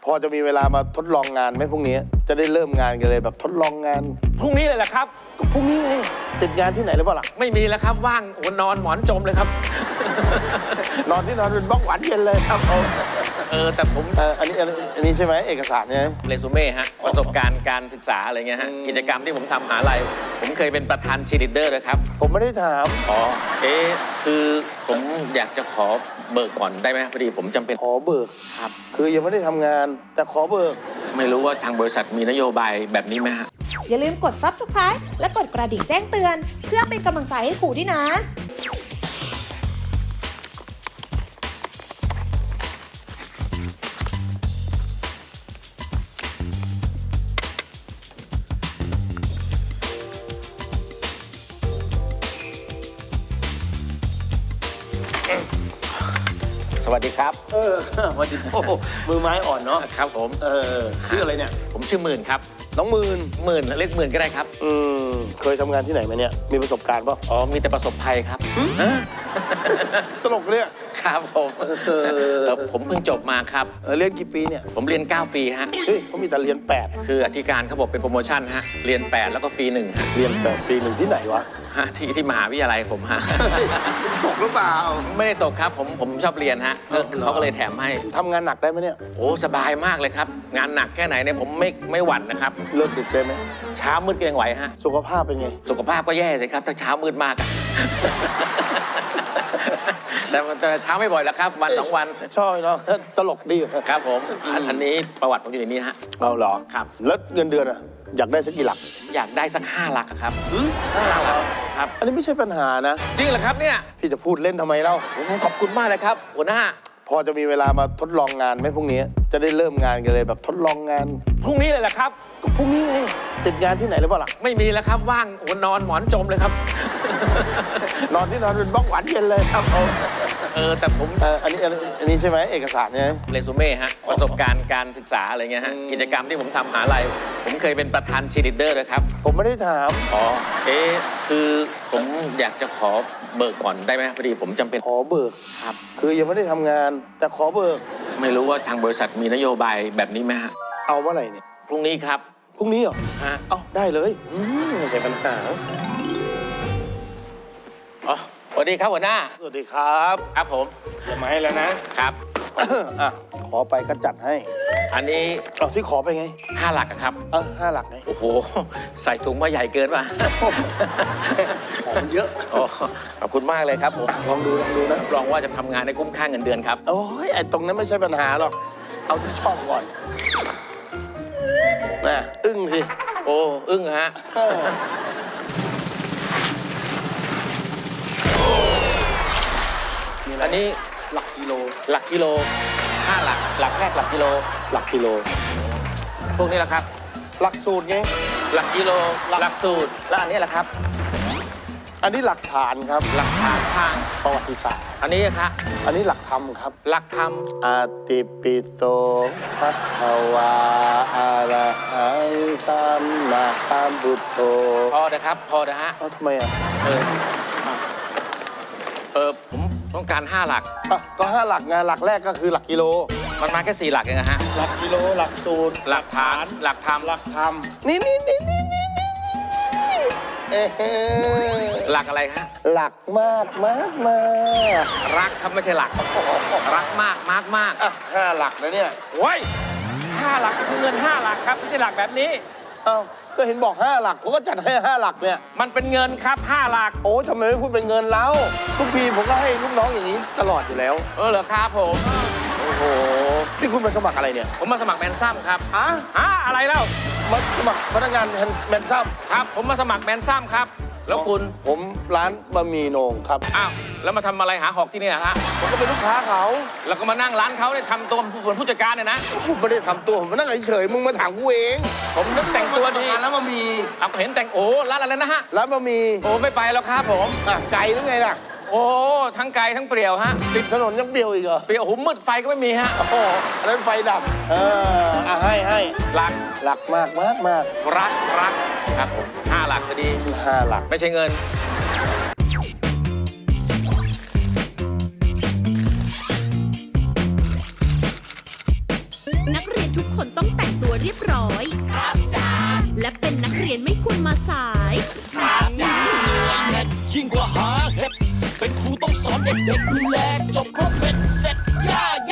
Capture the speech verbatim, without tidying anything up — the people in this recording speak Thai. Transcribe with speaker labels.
Speaker 1: พอจะมีเวลามาทดลองงานไหมพรุ่งนี้จะได้เริ่มงานกันเลยแบบทดลองงาน
Speaker 2: พรุ่งนี้เลยแหละครับ
Speaker 1: ก็พรุ่งนี้ไงติดงานที่ไหนหรือเปล่าล่ะ
Speaker 2: ไม่มีแล้วครับว่างโอ้นอนหมอนจมเลยครับ
Speaker 1: นอนที่นอนเป็นบ้องหวานเย็นเลยครับเอา
Speaker 2: เออแต่ผม
Speaker 1: เอออันนี้อันนี้อันนี้ใช่ไหมเอกสารเนี่ย
Speaker 2: เรซูเม่ฮะประสบการณ์การศึกษาอะไรเงี้ยฮะ
Speaker 1: อืม
Speaker 2: กิจกรรมที่ผมทำมหาลัยผมเคยเป็นประธานเชียร์ลีดเดอร์ด้วยครับ
Speaker 1: ผมไม่ได้ถาม
Speaker 2: อ๋อเอ๊ะคือผมอยากจะขอเบิกก่อนได้ไหมพอดีผมจำเป็น
Speaker 1: ขอเบิก
Speaker 2: ครับ
Speaker 1: คือยังไม่ได้ทำงาน แต่ขอเบิก
Speaker 2: ไม่รู้ว่าทางบริษัทมีนโยบายแบบนี้ไหมฮะ
Speaker 3: อย่าลืมกด ซับสไครบ์ และกดกระดิ่งแจ้งเตือน เพื่อเป็นกำลังใจให้ครูด้วยนะ
Speaker 2: สวัสดีครับ
Speaker 1: เออวันดีโอ้โหมือไม้อ่อนเนาะ
Speaker 2: ครับผม
Speaker 1: เออชื่ออะไรเนี่ย
Speaker 2: ผมชื่อหมื่นครับ
Speaker 1: น้องหมื่น
Speaker 2: หมื่นเรียกหมื่นก็ได้ครับ
Speaker 1: อืมเคยทำงานที่ไหนมาเนี่ยมีประสบการณ์ป่ะ
Speaker 2: อ๋อมีแต่ประสบภัยครับ
Speaker 1: ตลกเนี่ย
Speaker 2: ครับผม
Speaker 1: เออ
Speaker 2: เออผมเพิ่งจบมาครับ
Speaker 1: เออเรียนกี่ปีเนี่ย
Speaker 2: ผมเรียนเก้าปีฮะ
Speaker 1: เฮ้ยเขามีแต่เรียนแปด
Speaker 2: คืออธิการเขาบอกเป็นโปรโมชั่นฮะเรียนแปดแล้วก็ฟรีหนึ่งฮะ
Speaker 1: เรียนแปดปีหนึ่งที่ไหนวะ
Speaker 2: ฮะที่ที่มหาวิทยาลัยผมฮะ
Speaker 1: ตกหรือเปล่า
Speaker 2: ไม่ได้ตกครับผมผมชอบเรียนฮะก็เขาก็เลยแถมให้
Speaker 1: ทำงานหนักได้ไหมเนี่ย
Speaker 2: โอ้สบายมากเลยครับ งานหนักแค่ไหนเนี่ยผมไม่ไม่หวั่นนะครับ
Speaker 1: เลิกดึกได้ไหม
Speaker 2: เช้ามืดก็ยังไหวฮะ
Speaker 1: สุขภาพเป็นไง
Speaker 2: สุขภาพก็แย่สิครับถ้าเช้ามืดมากอะ แต่แต่เช้าไม่บ่อยแล้วครับ วันสองวัน
Speaker 1: ชอบเนาะตลกดี
Speaker 2: ครับผมอันอันนี้ประวัติผมอยู่ในนี้ฮะ
Speaker 1: เอาเหรอ
Speaker 2: ครับ
Speaker 1: แล้วเงินเดือนอะอยากได้สักกี่หลัก
Speaker 2: อยากได้สักห้าหลักอะครับ
Speaker 1: ห้าหลักเหรอ
Speaker 2: ครับ
Speaker 1: อันนี้ไม่ใช่ปัญหานะ
Speaker 2: จริงเหรอครับเนี่ย
Speaker 1: พี่จะพูดเล่นทำไมเล่า
Speaker 2: ผมขอบคุณมากเลยครับหัวหน้า
Speaker 1: พอจะมีเวลามาทดลองงานไหมพรุ่งนี้จะได้เริ่มงานกันเลยแบบทดลองงาน
Speaker 2: พรุ่งนี้เลยแหละครับ
Speaker 1: ก็พรุ่งนี้ไงติดงานที่ไหนหรือเปล่าล่ะ
Speaker 2: ไม่มีแล้วครับว่างโอ้นอนหมอนจมเลยครับ
Speaker 1: นอนที่นอนเป็นบ้องหวานเย็นเลยครับเอา
Speaker 2: เออแต่ผม
Speaker 1: เอออันนี้อันนี้อันนี้ใช่ไหมเอกสารเนี่ย
Speaker 2: เรซูเม่ฮะประสบการณ์การศึกษาอะไรเงี้ยฮะ
Speaker 1: อืม
Speaker 2: กิจกรรมที่ผมทำมหาลัยผมเคยเป็นประธานเชียร์ลีดเดอร์ด้วยครับ
Speaker 1: ผมไม่ได้ถาม
Speaker 2: อ๋อเอ๊ะคือผมอยากจะขอเบิกก่อนได้ไหมพอดีผมจำเป็น
Speaker 1: ขอเบิก
Speaker 2: ครับ
Speaker 1: คือยังไม่ได้ทำงาน แต่ขอเบิก
Speaker 2: ไม่รู้ว่าทางบริษัทมีนโยบายแบบนี้ไหมฮะ
Speaker 1: เอาเมื่อไหร่เนี่ย
Speaker 2: พรุ่งนี้ครับ
Speaker 1: พรุ่งนี้เหรอ
Speaker 2: ฮะ
Speaker 1: เอาได้เลยอืมไม่ใช่ปัญหา
Speaker 2: อ๋อสวัสดีครับหัวหน้า
Speaker 1: สวัสดีครับ
Speaker 2: ครับผม
Speaker 1: อย่ามาให้แล้วนะครับ อ่ะขอไปก็จัดให้
Speaker 2: อันนี้
Speaker 1: เอาที่ขอไปไง
Speaker 2: ห้าหลักอะครับ
Speaker 1: เออห้าหลักไง
Speaker 2: โอ้โห ใส่ถุงมาใหญ่เกินป่ะ
Speaker 1: ของมันเยอะ
Speaker 2: โอ้ขอบคุณมากเลยครับผม
Speaker 1: ลองดูลองดูนะ
Speaker 2: รับรองว่าจะทำงานในคุ้มค่าเงินเดือนครับ
Speaker 1: โอ้ยไอ้ตรงนั้นไม่ใช่ปัญหาหรอก เอาที่ชอบก่อนน่ะอึ้งสิ
Speaker 2: โอ้อึ้งฮะ
Speaker 1: เออมีอะไร
Speaker 2: อันนี้
Speaker 1: หลักกิโล
Speaker 2: หลักกิโลห้าหลัก หลักแรกหลักกิโล
Speaker 1: หลักกิโล
Speaker 2: พวกนี้แหละครับ
Speaker 1: หลักสูตรไง
Speaker 2: หลักกิโล หลักสูตร แล้วอันนี้แหละครับ
Speaker 1: อันนี้หลักฐานครับ
Speaker 2: หลักฐานทาง
Speaker 1: ประวัติศาสตร์
Speaker 2: อันนี้ครับ
Speaker 1: อันนี้หลักธรรมครับ
Speaker 2: หลักธรรม
Speaker 1: อาติปิโตภัควาอะระหังสัมมาสัมพุทโธ
Speaker 2: พอนะครับ พอนะฮะ
Speaker 1: เอ้าทำไมอ่ะ
Speaker 2: เออ เออ ผมต้องการห้าหลัก
Speaker 1: อ่ะก็ห้าหลักไงหลักแรกก็คือหลักกิโล
Speaker 2: มันมาแค่สี่หลักเองนะฮะ
Speaker 1: หลักกิโล หลักสูตร
Speaker 2: หลักฐาน หลักธรรม
Speaker 1: หลักธรรม นี่นี่นี่นี่นี่นี่เอ๊ะ
Speaker 2: หลักอะไรฮะ
Speaker 1: หลักมากมากมาก
Speaker 2: รักครับไม่ใช่หลัก รักมากมากมาก
Speaker 1: อ่ะห้าหลักนะเนี่ย
Speaker 2: โอ้ยห้าหลักคือเงินห้าหลักครับไม่ใช่หลักแบบนี้
Speaker 1: เอ้าก็เห็นบอกห้าหลักผมก็จัดให้ห้าหลักเนี่ย
Speaker 2: มันเป็นเงินครับห้าหลัก
Speaker 1: โอ้ยทำไมไม่พูดเป็นเงินแล้วทุกปีผมก็ให้ลูกน้องอย่างนี้ตลอดอยู่แล้ว
Speaker 2: เออเหรอครับผม
Speaker 1: โอ้โหนี่คุณมาสมัครอะไรเนี่ย
Speaker 2: ผมมาสมัครแมนซัมครับ
Speaker 1: อ่ะ
Speaker 2: ฮะอะไรเล่า
Speaker 1: มาสมัครพนักงานแมนซัม
Speaker 2: ครับ ผมมาสมัครแมนซัมครับ แล้วคุณ
Speaker 1: ผมร้านบะหมี่โหน่งครับ
Speaker 2: อ้าว แล้วมาทำอะไรหาหอกที่นี่ฮะ
Speaker 1: ผมก็เป็นลูกค้าเขา
Speaker 2: แล้วก็มานั่งร้านเขาเนี่ยทำตัวเหมือนผู้จัดการเนี่ยนะ
Speaker 1: ผมไม่ได้ทำตัวผมมานั่งเฉยๆมึงมาถามกูเอง
Speaker 2: ผมนึกแต่งตัวดี
Speaker 1: ร้านบะหมี่
Speaker 2: เอาเห็นแต่งโอ้ร้านอะไรนะฮะ
Speaker 1: ร้านบะหมี่
Speaker 2: โอ้ไม่ไปแล้วครับผม
Speaker 1: อ่ะไกลหรือไงล่ะ
Speaker 2: โอ้ทั้งไกลทั้งเปรี่ยวฮะ
Speaker 1: ติดถนนยังเปรี้ยวอีกเหรอ
Speaker 2: เปรี่ยวโอ้โหมืดไฟก็ไม่มีฮะ
Speaker 1: โอ้โหอันนั้นไฟดับ เอออ่ะให้ให้
Speaker 2: หลัก
Speaker 1: หลักมากมากมาก
Speaker 2: รักรักครับผมห้าหลักพอดี
Speaker 1: ห้าหลัก
Speaker 2: ไม่ใช่เงิน
Speaker 3: นักเรียน
Speaker 4: ทุกคนต้องแต่งตัวเรียบร้อย ครับจ้าและเป็นนักเรียนไม่ควรมาสาย
Speaker 5: ยิ่งกว่าหาเห็ดเป็นครูต้องสอนเด็กๆดูแลจบครบเป็นเส